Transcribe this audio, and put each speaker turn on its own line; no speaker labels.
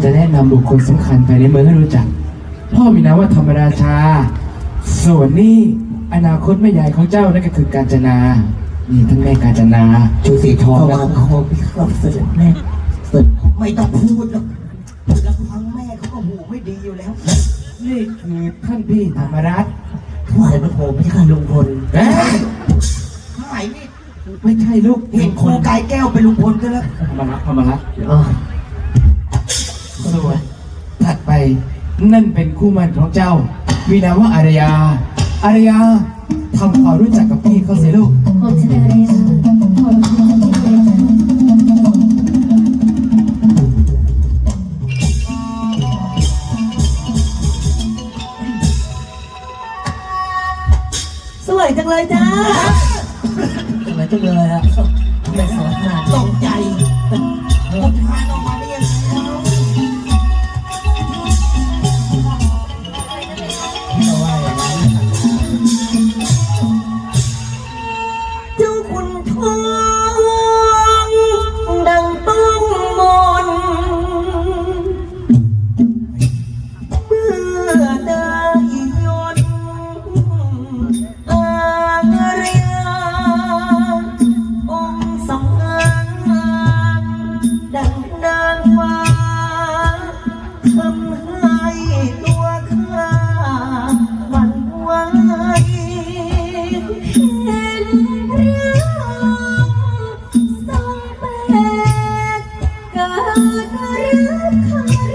จะแนะนำบุคคลสำคัญภายในเมืองให้รู้จักพ่อมีนามว่าธรรมราชาส่วนนี้อนาคตแม่ใหญ่ของเจ้านั่นก็คือกาญจนานี่ท่านแม่กาญจนาชูสีทองนะ
วางคอพี่ครับเสด็จแม่เสด็จไม่ต้องพูดหรอกแล้วฟังแม่เขาก็หูไม่ดีอยู่แล้ว
นี่คือท่านพี่ธรรมรัตน์
ถวายพระโคมพี่ค่ะลุงพล
เอ๊ะ
ทำไมนี่
ไม่ใช่ลูก
เห็นครูกายแก้วเป็นลุงพลก็แล้ว
ธรรมรัตน์ส่วนถัดไปนั่นเป็นคู่มั่นของเจ้ามีนามว่าอารยาทำความรู้จักกับพี่เขาสิลูก
ผมชื่ออะไรนะผมชื่ออะไรสวยจังเลยจ้า
สวยจังเลยอะทำไมสวยขนาดตกใจอุทานออกมาได้ยังไงเราว่าอย่างนั้น
เจ้าคุณทองดังต้องมนเมื่อได้ยนอาเรียองค์สำงานดังนางฟ้าทำให้ตัวข้าหวั่นไหวเห็นเรื่องทรงแปลกเกิดรักใคร